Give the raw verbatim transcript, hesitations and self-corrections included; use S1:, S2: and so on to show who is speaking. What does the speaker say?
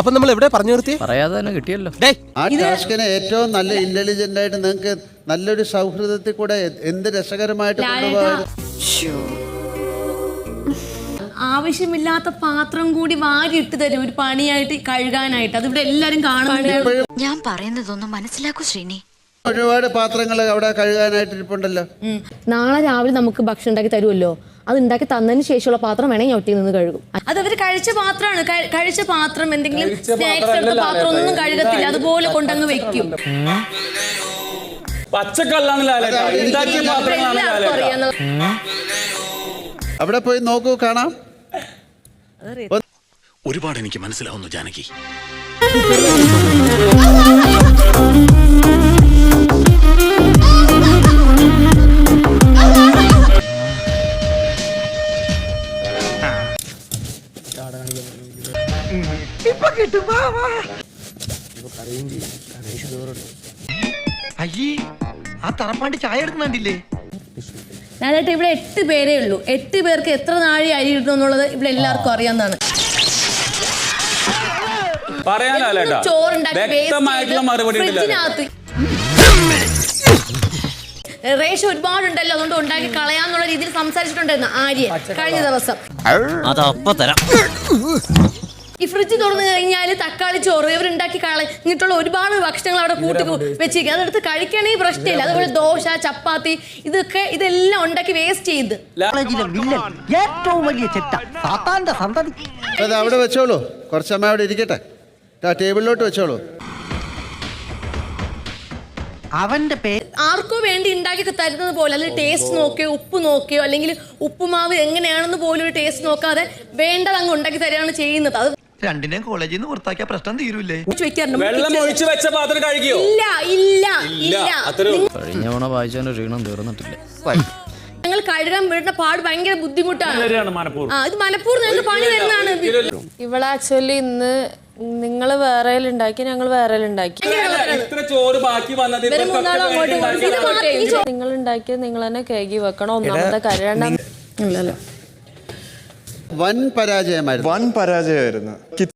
S1: അപ്പൊ നമ്മൾ എവിടെ പറഞ്ഞു നിർത്തി?
S2: പറയാതെ തന്നെ കിട്ടിയല്ലോ.
S3: ആ ടാസ്കിനെ ഏറ്റവും നല്ല ഇന്റലിജന്റ് ആയിട്ട് നിങ്ങൾക്ക് നല്ലൊരു സൗഹൃദത്തിൽ കൂടെ എന്ത് രസകരമായിട്ട് കൊണ്ടുപോകാൻ.
S4: ആവശ്യമില്ലാത്ത പാത്രം കൂടി വാരി ഇട്ട് തരും ഒരു പണിയായിട്ട് കഴുകാനായിട്ട്. അത് ഇവിടെ എല്ലാരും കാണുന്നുണ്ട്.
S5: ഞാൻ പറയുന്നതൊന്നും മനസ്സിലാക്കൂ ശ്രീനി.
S3: ഒരുപാട് പാത്രങ്ങൾ അവിടെ കഴുകാനായിട്ട് ഇരിപ്പുണ്ടല്ലോ.
S4: നാളെ രാവിലെ നമുക്ക് ഭക്ഷണം ഉണ്ടാക്കി തരുമല്ലോ, അത് ഉണ്ടാക്കി തന്നതിന് ശേഷമുള്ള പാത്രം വേണമെങ്കിൽ ഞാൻ ഒറ്റ നിന്ന് കഴുകും. അത് അവര് കഴിച്ച പാത്രമാണ്. കഴിച്ച പാത്രം എന്തെങ്കിലും സ്നാക്സ് എടുത്ത പാത്രം ഒന്നും കഴുകത്തില്ല, അതുപോലെ കൊണ്ടങ്ങ് വെക്കും.
S3: അവിടെ പോയി നോക്കൂ, കാണാം.
S6: ഒരുപാട് എനിക്ക് മനസ്സിലാവുന്നു ജാനകി.
S7: അയ്യേ, ആ തറപ്പാണ്ടി ചായ എടുക്കുന്നുണ്ടില്ലേ?
S4: ഞാനായിട്ട് ഇവിടെ എട്ട് പേരേ ഉള്ളൂ. എട്ട് പേർക്ക് എത്ര നാഴി അരി കിട്ടും എന്നുള്ളത് ഇവിടെ എല്ലാവർക്കും അറിയാവുന്നതാണ്. ഫ്രിഡ്ജിനകത്ത് റേഷൻ ഒരുപാടുണ്ടല്ലോ, അതുകൊണ്ട് ഉണ്ടാക്കി കളയാന്നുള്ള രീതിയിൽ സംസാരിച്ചിട്ടുണ്ടായിരുന്നു ആര്യ കഴിഞ്ഞ ദിവസം. ഈ ഫ്രിഡ്ജ് തുറന്നു കഴിഞ്ഞാൽ തക്കാളി ചോറ് ഇവരുണ്ടാക്കി കളഞ്ഞിട്ടുള്ള ഒരുപാട് ഭക്ഷണങ്ങൾ അവിടെ കൂട്ടി വെച്ചിരിക്കുക. അതെടുത്ത് കഴിക്കണമെങ്കിൽ പ്രശ്നമില്ല. അതുപോലെ ദോശ, ചപ്പാത്തി, ഇതൊക്കെ ഇതെല്ലാം ഉണ്ടാക്കി വേസ്റ്റ് ചെയ്ത്
S7: ഏറ്റവും വലിയ ചെറ്റ സാത്താന്റെ സന്തതി.
S3: അത് അവിടെ വെച്ചോളൂ, കുറച്ച് സമയം അവിടെ ഇരിക്കട്ടെ. ടേബിളിലോട്ട് വെച്ചോളൂ.
S7: അവന്റെ പേര്
S4: ആർക്കോ വേണ്ടി ഉണ്ടാക്കി തരുന്നത് പോലെ, അല്ലെങ്കിൽ ടേസ്റ്റ് നോക്കിയോ ഉപ്പ് നോക്കിയോ അല്ലെങ്കിൽ ഉപ്പുമാവ് എങ്ങനെയാണെന്ന് പോലും ഒരു ടേസ്റ്റ് നോക്കാതെ വേണ്ടത് അങ്ങ് ഉണ്ടാക്കി തരികയാണ് ചെയ്യുന്നത്. അത്
S7: രണ്ടിനെയും കോളേജിൽ നിന്ന് പുറത്താക്കിയ പ്രശ്നം തീരൂലേ?
S4: ഞങ്ങൾ കഴുകാൻ വീടിന്റെ പാട് ഭയങ്കര ബുദ്ധിമുട്ടാണ്. ഇത് മനപ്പൂർവ്വം ഞങ്ങൾക്ക് പണി തരുന്നതാണ്.
S8: ഇവിടെ ആക്ച്വലി ഇന്ന് നിങ്ങൾ വേറെ ഉണ്ടാക്കി, ഞങ്ങൾ വേറെ ഉണ്ടാക്കി. നിങ്ങൾ ഉണ്ടാക്കിയത് നിങ്ങൾ തന്നെ കേകി വെക്കണം. ഒന്നാമത്തെ കാര്യം
S3: വൻ പരാജയമായിരുന്നു.
S9: വൻ പരാജയമായിരുന്നു.